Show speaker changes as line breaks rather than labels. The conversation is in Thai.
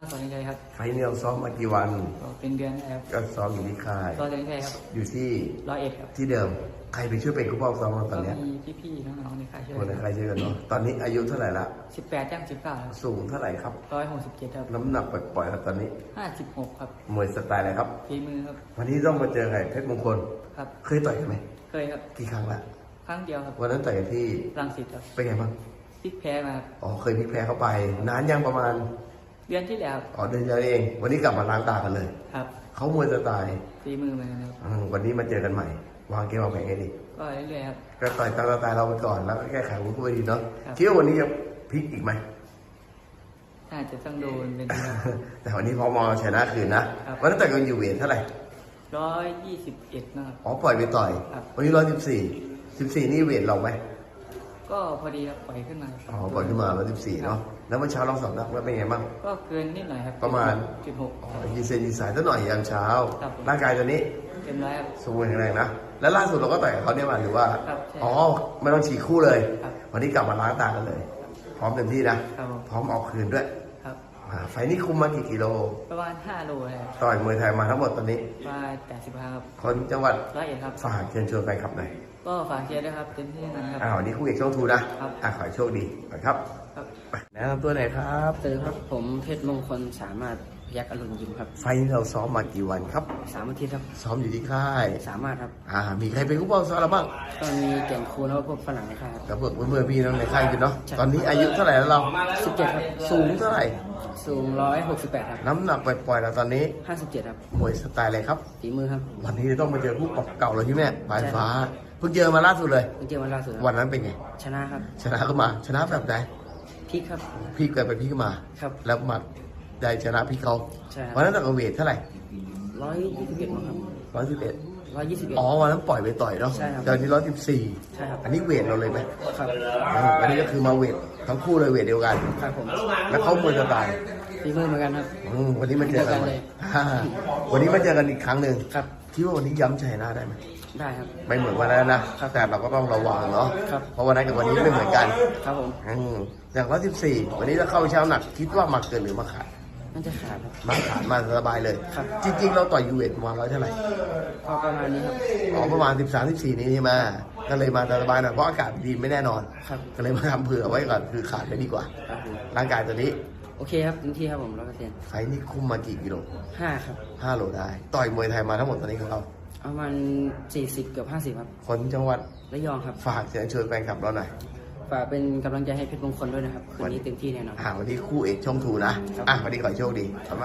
สอนใจครับ
ไฟเนียลซ้อมมากี่วัน
ก็เป็นเดือนครับ
ก็ซ้อมอยู่ที่ค่าย
ก็สอนใจครับ
อยู่ที่
101ครับ
ที่เดิม ใครไปช่วยเป็นผู้ปกครองซ้อมเราต
ก็
อนเนี้ย
มีพี่ๆน้องๆในค่ายช่วย
คนในใครช่วยกันเนาะ ตอนนี้อายุเท่าไหร่ละ
18ย่าง19ครับ
สูงเท่าไหร่ครับ
167ครับ
น้ำหนักปล่อยๆครับตอนนี้
56ครับ
มวยสไตล์อะไรครับ
ฝีมือครับ
วันนี้ต้องมาเจอใครเพชรมงคล
ครับ
เคยต่อยกันไหม
เคยครับ
กี่ครั้งละ
ครั้งเดียวครับ
วันนั้นต่อยกันที่
รังสิตครับ
เป็นไงบ้าง
พลิกแพ้มาครับ
อ๋อ เคยพลิกแพ้เข้าไป นานยังประมาณ
เดือนที่แล้ว
อ๋อเดือนเดียวเอง วันนี้กลับมาล้างตากันเลย
ครับ
เขามวยสไตล์
ฝีมือเหมือนกันครับ
วันนี้มาเจอกันใหม่ วางเกมวางแผนไงดี
ก็เรื่อยๆครับ
ก็ต่อยตามสไตล์เราไปก่อนแล้วก็แก้ไขวุ้นไปดีเนาะ
ครับ
คิดว่าวันนี้จะพลิกอีกไหม
น่าจะต้องโดนเป็นครับ
แต่วันนี้พอมอชนะคืนนะครับ วันนั้นต่อยกันอยู่เวทเท่าไหร่
121นะครับ
อ๋อปล่อยไปต่อย
ครับ
วันนี้114นี่เวทเราไหม
ก็พอดีครับปล่อยขึ้นมาค
อ๋
รั
อบ ปล่อยขึ้นมา114เนาะแล้วเมื่อเช้าลองสอบนักแล้วเป็นไงบ้าง
ก็เกินนิดหน่อยครับ
ประมาณ
6
อ๋อยีเซนยีสายสักหน่อยยามเช้า
ครับ
ร่างกายตอนนี้
เต็มร้อยครับ
สมบูรณ์แข็งแรงนะแล้วล่าสุดเราก็ต่อยกับเขาเนี่ยมาหรือว่า
ครับใช่
อ๋อไม่ต้องฉีกคู่เลย
ครับ
วันนี้กลับมาล้างตากันเลย พร้อมเต็มที่นะครับ
ผม
พร้อมออกคืนด้วย
ครับ
ไฟล์นี้คุมมากี่กิโล
ประมาณ5 โลครับ
ต่อยมวยไทยมาทั้งหมดตอนนี้
ประมาณ85ครับ
คนจังหวัด
101ครับ
ฝากเชิญชวนแฟนคลับหน่อย
ก็ฝากเชียร์ด้วยครับเต็มที่นะครับ
วันนี้คู่เอกช่องทูนะครับ ขอให้โชคดีก่อนครับ
ครับ
ไปแนะนำตัวหน่อยครับ
สวัสดีครับผมเพชรมงคลสามารถพยักอรุณยิมครับ
ไฟล์นี้เราซ้อมมากี่วันครับ
3 อาทิตย์ครับ
ซ้อมอยู่ที่ค่าย
สามารถครับ
มีใครเป็นผู้ปกครองซ้อมเราบ้าง
ก็มีแก่นคูแล้วก็พวกฝรั่งในค่ายครับ
กับเพื่อนๆพี่น้องในค่ายกันเนาะ
ใช่
ตอนนี้อายุเท่าไหร่แล้วเรา
17ครับ
สูงเท่าไหร่
สูง168ครับ
น้ำหนักปล่อยๆเราตอนนี้
57ครับ
มวยสไตล์อะไรครับ
ฝีมือครับ
วันนี้ต้องมาเจอผู้ปกเก่าเราใช่ไหมปลายฟ้า เพิ่งเจอมาล่าสุดเลย
เพิ่งเจอวันล่าสุดครับ
วันนั้นเป็นไง
ชนะครับ
ชนะก็มา ชนะแบบไหน
พลิกครับ
พี่เกิดไปพี่ก็มา
ครับ
แล้วมาได้ชนะพี่เขา
ใช่ครับ
วันนั้นต่อยเวทเท่าไหร่
121มั้งครับ
111
121
อ๋อวันนั้นปล่อยไปต่อยเนาะ
ใช่ครับ
ตอนนี้114
ใช่ครับ
อันนี้เวทเราเลยไหม
ครับ
อันนี้ก็คือมาเวททั้งคู่เลยเวทเดียวกัน
ครับผม
แล้วเขามวยสไตล์
ฝีมือเหมือนกันครับ
วันนี้มาเจอกันใหม่
เดียวกันเลย
วันนี้มาเจอกันอีกครั้งหนึ่ง
ครับ
คิดว่าวันนี้ย้ำชัยนะได้ไหม
ได้ครับ
ไม่เหมือนวันนั้นนะแต่เราก็ต้องระวังเนาะ
ครับ
เพราะวันนั้นกับวันนี้ไม่เหมือนกัน
ครับผม
อย่าง114วันนี้ถ้าเข้าเช้าหนักคิดว่ามาเกินหรือมาขาด
มันจะขาดครับ
มาขาดมาสบายเลย
ครับ
จริง ๆ เราต่อยยูเวทประมาณ100เท่าไหร่
ก็ประมาณนี้ครับ
อ๋อประมาณ13-14นี้ใช่ไหมก็เลยมาสบายหน่อยเพราะอากาศดีไม่แน่นอน
ครับ
ก็เลยมาทำเผื่อไว้ก่อนคือขาดไปดีกว่า
ครับผม
ร่างกายตัวนี้
โอเคครับเต็มที่ครับผม100%
ไฟนี่คุมมากี่กิโล
5ครับ
5 โลได้ ต่อยมวยไทยมาทั้งหมดตอนนี้ของเรา
ประมาณ40เกือบ50ครับ
คนจังหวัด
ระยองครับ
ฝากเชิญชวนแฟนคลับเราหน่อย
ฝากเป็นกำลังใจให้เพชรมงคลด้วยนะครับ คืนนี้เต็มที่แน่นอน
วันนี้คู่เอกช่องทูนะ
ครับ
วันนี้ขอให้โชคดี